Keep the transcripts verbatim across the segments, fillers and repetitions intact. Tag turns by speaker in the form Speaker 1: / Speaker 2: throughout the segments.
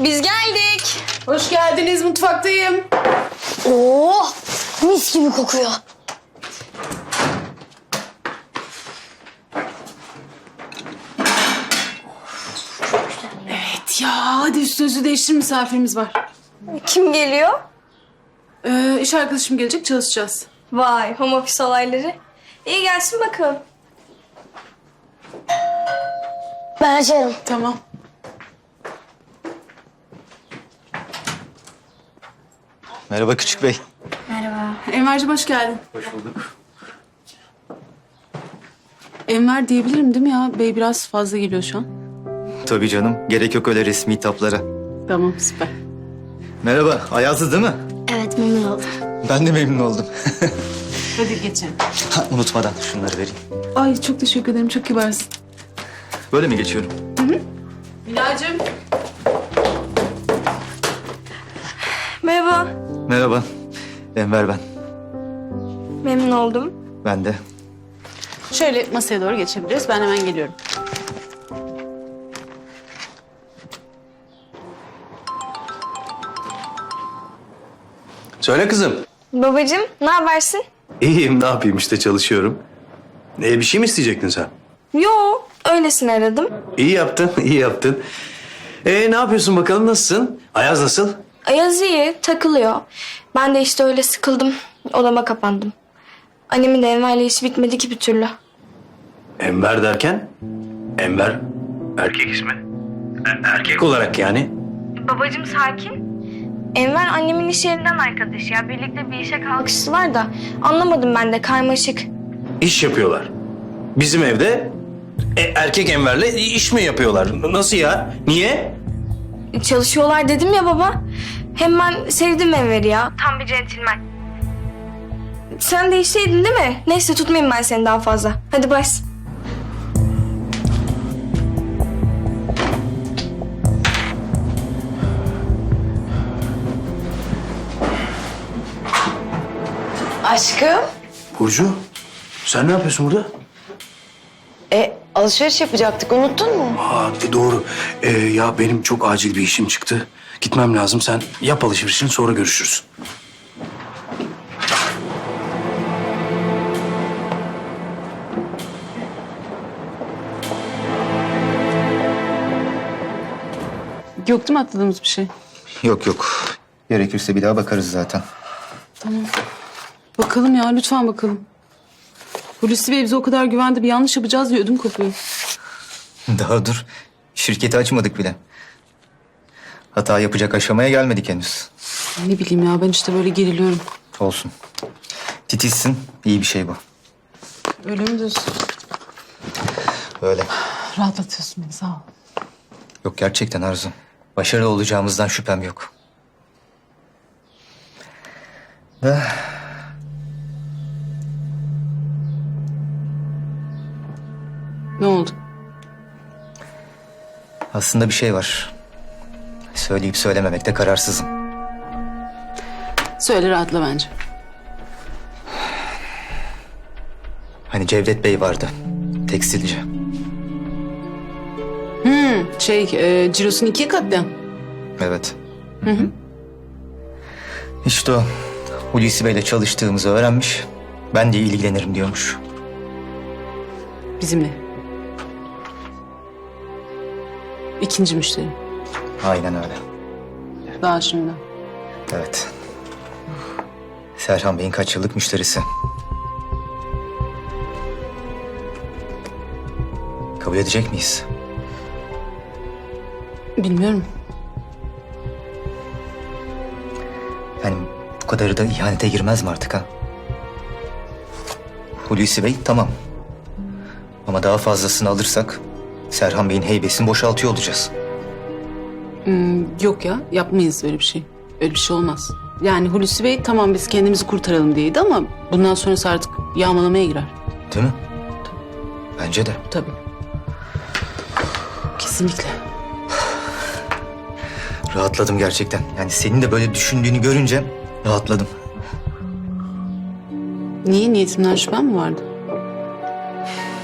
Speaker 1: Biz geldik.
Speaker 2: Hoş geldiniz, mutfaktayım.
Speaker 1: Oo, mis gibi kokuyor.
Speaker 2: Evet ya, hadi üstünüzü değiştir, misafirimiz var.
Speaker 1: Kim geliyor?
Speaker 2: Ee, iş arkadaşım gelecek, çalışacağız.
Speaker 1: Vay, home office olayları. İyi gelsin bakalım. Ben açarım.
Speaker 2: Tamam.
Speaker 3: Merhaba Küçük Bey.
Speaker 1: Merhaba.
Speaker 2: Enver'cim hoş geldin.
Speaker 3: Hoş bulduk.
Speaker 2: Enver diyebilirim değil mi ya? Bey biraz fazla geliyor şu an.
Speaker 3: Tabii canım. Gerek yok öyle resmi hitaplara.
Speaker 2: Tamam, süper.
Speaker 3: Merhaba. Ayazlı değil mi?
Speaker 1: Evet, memnun oldum.
Speaker 3: Ben de memnun oldum.
Speaker 2: Hadi geçelim.
Speaker 3: Ha, unutmadan şunları vereyim.
Speaker 2: Ay çok teşekkür ederim, çok kibarsın.
Speaker 3: Böyle mi geçiyorum?
Speaker 2: Bilal'cim.
Speaker 1: Merhaba.
Speaker 3: Merhaba. Enver ben.
Speaker 1: Memnun oldum.
Speaker 3: Ben de.
Speaker 2: Şöyle masaya doğru geçebiliriz. Ben hemen geliyorum.
Speaker 4: Söyle kızım.
Speaker 1: Babacığım, ne habersin?
Speaker 4: İyiyim, ne yapayım işte çalışıyorum. Ee, bir şey mi isteyecektin sen?
Speaker 1: Yo, öylesine aradım.
Speaker 4: İyi yaptın, iyi yaptın. Ee, ne yapıyorsun bakalım, nasılsın? Ayaz nasıl?
Speaker 1: Ayaz iyi, takılıyor. Ben de işte öyle sıkıldım. Odama kapandım. Annemin de Enver'le işi bitmedi ki bir türlü.
Speaker 4: Enver derken? Enver erkek ismi. E- erkek olarak yani.
Speaker 1: Babacığım sakin. Enver annemin iş yerinden arkadaşı ya. Birlikte bir işe kalkıştılar da. Anlamadım ben de, karmaşık.
Speaker 4: İş yapıyorlar. Bizim evde e, erkek Enver'le iş mi yapıyorlar? Nasıl ya? Niye?
Speaker 1: Çalışıyorlar dedim ya baba. Hem ben sevdim Enver'i ya. Tam bir centilmen. Sen de işteydin değil mi? Neyse tutmayayım ben seni daha fazla. Hadi bas.
Speaker 5: Aşkım,
Speaker 4: Burcu, sen ne yapıyorsun burada?
Speaker 5: e, alışveriş yapacaktık, unuttun mu?
Speaker 4: Aa, e, doğru. Ee, ya benim çok acil bir işim çıktı. Gitmem lazım. Sen yap alışverişini, sonra görüşürüz.
Speaker 2: Yok değil mi atladığımız bir şey?
Speaker 3: Yok yok. Gerekirse bir daha bakarız zaten.
Speaker 2: Bakalım ya, lütfen bakalım. Hulusi Bey bize o kadar güvendi, bir yanlış yapacağız diye ödüm kopuyor.
Speaker 3: Daha dur. Şirketi açmadık bile. Hata yapacak aşamaya gelmedik henüz.
Speaker 2: Ne bileyim ya, ben işte böyle geriliyorum.
Speaker 3: Olsun. Titizsin. İyi bir şey bu.
Speaker 2: Öyle mi diyorsun?
Speaker 3: Öyle.
Speaker 2: Rahatlatıyorsun beni, sağ ol.
Speaker 3: Yok gerçekten Arzu. Başarılı olacağımızdan şüphem yok. Da...
Speaker 2: Ne oldu?
Speaker 3: Aslında bir şey var. Söyleyip söylememekte kararsızım.
Speaker 2: Söyle, rahatla bence.
Speaker 3: Hani Cevdet Bey vardı. Tekstilci.
Speaker 2: Şey, e, cirosunu ikiye katlayan.
Speaker 3: Evet. Hı hı. İşte o. Hulusi Bey'le çalıştığımızı öğrenmiş. Ben de ilgilenirim diyormuş.
Speaker 2: Bizimle. İkinci müşteri.
Speaker 3: Aynen öyle.
Speaker 2: Daha şimdi.
Speaker 3: Evet. Serhan Bey'in kaç yıllık müşterisi. Kabul edecek miyiz?
Speaker 2: Bilmiyorum.
Speaker 3: Yani bu kadarı da ihanete girmez mi artık ha? Hulusi Bey tamam. Ama daha fazlasını alırsak Serhan Bey'in heybesini boşaltıyor olacağız.
Speaker 2: Hmm, yok ya, yapmayız öyle bir şey. Öyle bir şey olmaz. Yani Hulusi Bey tamam biz kendimizi kurtaralım diyeydi ama bundan sonrası artık yağmalamaya girer.
Speaker 3: Değil mi? Bence de.
Speaker 2: Tabii. Kesinlikle.
Speaker 3: Rahatladım gerçekten. Yani senin de böyle düşündüğünü görünce rahatladım.
Speaker 2: Niye? Niyetimden şüphen mi vardı?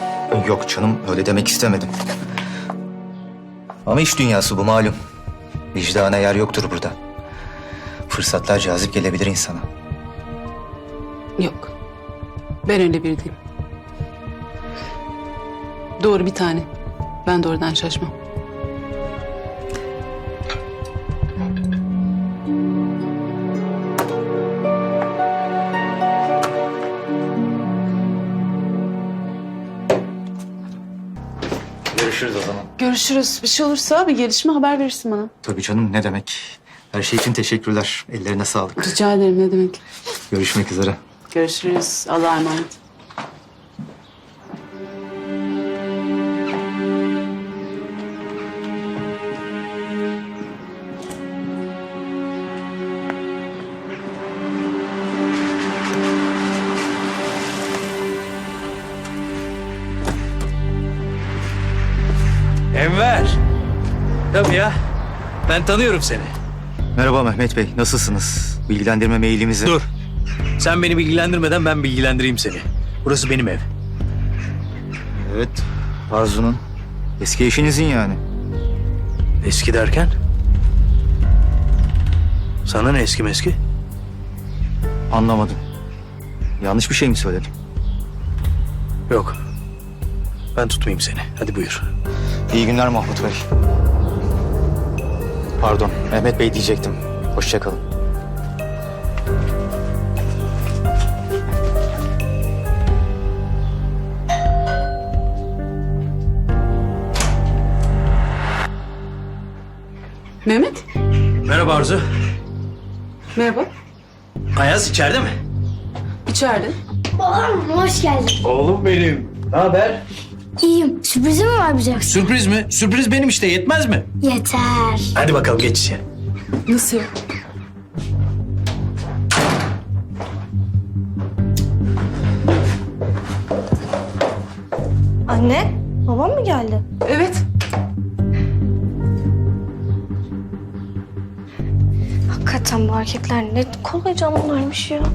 Speaker 3: Yok canım öyle demek istemedim. Ama iş dünyası bu malum. Vicdana yer yoktur burada. Fırsatlar cazip gelebilir insana.
Speaker 2: Yok. Ben öyle biri değilim. Doğru bir tane. Ben de oradan şaşmam.
Speaker 3: Görüşürüz o zaman.
Speaker 2: Görüşürüz. Bir şey olursa bir gelişme haber verirsin bana.
Speaker 3: Tabii canım, ne demek. Her şey için teşekkürler. Ellerine sağlık.
Speaker 2: Rica ederim, ne demek.
Speaker 3: Görüşmek üzere.
Speaker 2: Görüşürüz. Allah'a emanet.
Speaker 4: Enver. Tabii ya. Ben tanıyorum seni.
Speaker 3: Merhaba Mehmet Bey, nasılsınız? Bilgilendirme mailimizi...
Speaker 4: Dur. Sen beni bilgilendirmeden ben bilgilendireyim seni. Burası benim ev.
Speaker 3: Evet, Arzu'nun. Eski eşinizin yani.
Speaker 4: Eski derken? Sana ne eski meski?
Speaker 3: Anlamadım. Yanlış bir şey mi söyledim?
Speaker 4: Yok. Ben tutmayayım seni. Hadi buyur.
Speaker 3: İyi günler Mahmut Bey. Pardon, Mehmet Bey diyecektim. Hoşça kalın.
Speaker 2: Mehmet.
Speaker 4: Merhaba Arzu.
Speaker 2: Merhaba.
Speaker 4: Ayaz içeride mi?
Speaker 2: İçeride.
Speaker 6: Babam hoş geldin.
Speaker 4: Oğlum benim. Ne haber?
Speaker 6: İyiyim. Sürprizim mi var bize?
Speaker 4: Sürpriz mi? Sürpriz benim işte, yetmez mi?
Speaker 6: Yeter.
Speaker 4: Hadi bakalım geç içeri.
Speaker 2: Nasıl ya?
Speaker 1: Anne, babam mı geldi?
Speaker 2: Evet.
Speaker 1: Hakikaten bu erkekler ne kolay canlılarmış ya.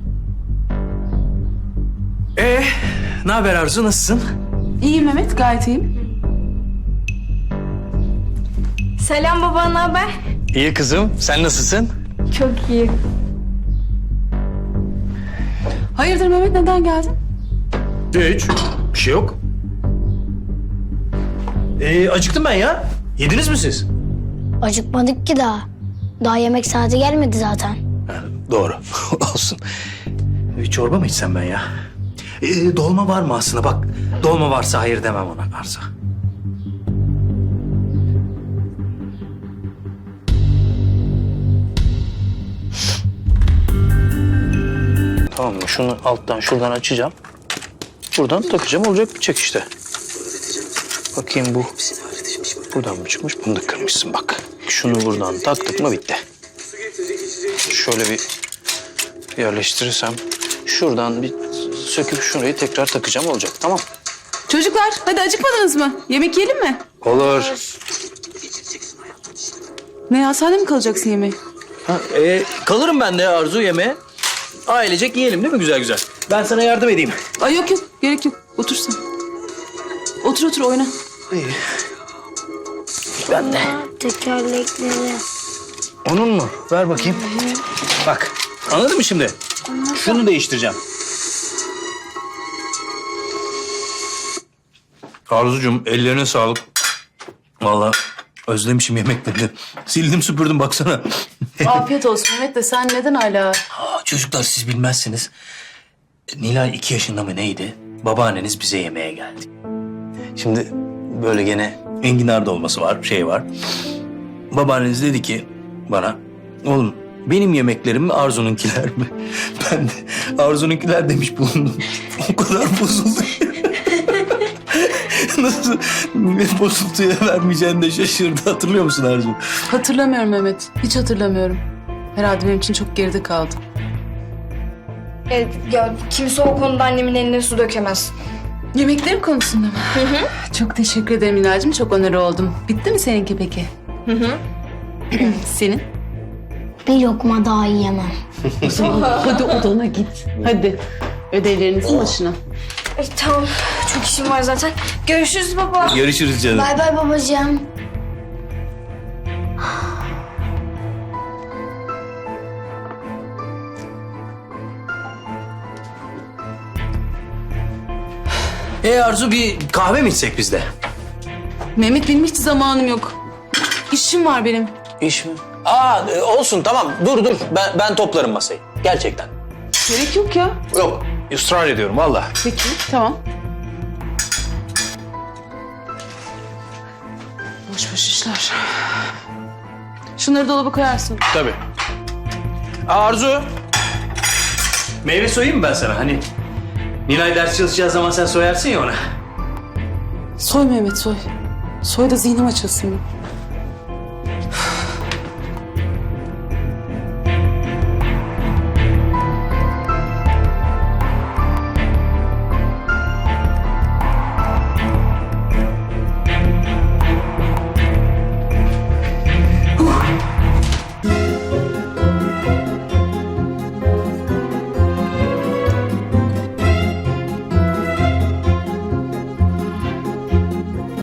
Speaker 4: Ee, ne haber Arzu, nasılsın?
Speaker 2: İyiyim Mehmet, gayet iyiyim.
Speaker 1: Selam baba, ne haber?
Speaker 4: İyi kızım, sen nasılsın?
Speaker 1: Çok iyi.
Speaker 2: Hayırdır Mehmet, neden geldin?
Speaker 4: Hiç, bir şey yok. Ee, acıktım ben ya. Yediniz mi siz?
Speaker 6: Acıkmadık ki daha. Daha yemek saati gelmedi zaten.
Speaker 4: Ha, doğru, olsun. Bir çorba mı içsem ben ya? Ee, dolma var mı aslında? Bak, dolma varsa hayır demem ona Arzu. Tamam mı? Şunu alttan şuradan açacağım. Buradan takacağım, olacak bitecek işte. Bakayım bu. Buradan mı çıkmış? Bunu da kırmışsın bak. Şunu buradan taktık mı bitti. Şöyle bir yerleştirirsem. Şuradan bir söküp şurayı tekrar takacağım, olacak, tamam.
Speaker 2: Çocuklar, hadi acıkmadınız mı? Yemek yiyelim mi?
Speaker 4: Olur.
Speaker 2: Ne ya, sen de mi kalacaksın yemeğe?
Speaker 4: Ha, e, kalırım ben de Arzu yemeğe. Ailecek yiyelim değil mi güzel güzel? Ben sana yardım edeyim.
Speaker 2: Ay yok yok, gerek yok. Otur sen. Otur otur, oyna.
Speaker 4: İyi. Ben de.
Speaker 6: Tekerlekleri.
Speaker 4: Onun mu? Ver bakayım. Bak, anladın mı şimdi? Şunu değiştireceğim. Arzucuğum, ellerine sağlık. Vallahi özlemişim yemeklerini. Sildim süpürdüm baksana.
Speaker 2: Afiyet olsun Mehmet de, sen neden hala...
Speaker 4: Aa, çocuklar siz bilmezsiniz. Nilay iki yaşında mı neydi? Babaanneniz bize yemeğe geldi. Şimdi böyle gene enginar dolması var, şey var. Babaanneniz dedi ki bana, oğlum benim yemeklerim mi Arzu'nunkiler mi? Ben de Arzu'nunkiler demiş bulundum. O kadar bozuldu. Nasıl bozuntuya vermeyeceğini de şaşırdı. Hatırlıyor musun Arzu?
Speaker 2: Hatırlamıyorum Mehmet, hiç hatırlamıyorum. Herhalde benim için çok geride kaldı.
Speaker 1: Evet, ya kimse o konuda annemin eline su dökemez.
Speaker 2: Yemeklerim konusunda mı? Hı hı. Çok teşekkür ederim Nilay'cığım, çok onur oldum. Bitti mi seninki peki? Hı hı. Senin?
Speaker 6: Bir lokma daha yiyemem.
Speaker 2: Hadi odana git. Hadi. Ödevlerinizin başına.
Speaker 1: E, tamam, çok işim var zaten. Görüşürüz baba.
Speaker 4: Görüşürüz canım.
Speaker 6: Bay bay babacığım.
Speaker 4: E Arzu, bir kahve mi içsek biz de?
Speaker 2: Mehmet benim hiç zamanım yok. İşim var benim.
Speaker 4: İş mi? Aa e, olsun tamam. Dur dur. Ben ben toplarım masayı. Gerçekten.
Speaker 2: Gerek yok ya.
Speaker 4: Yok. Israr ediyorum valla.
Speaker 2: Peki tamam. Boş boş işler. Şunları dolaba koyarsın.
Speaker 4: Tabii. Aa, Arzu. Meyve soyayım mı ben sana? Hani Nilay ders çalışacağı zaman sen soyarsın ya ona.
Speaker 2: Soy Mehmet soy. Soy da zihnim açılsın.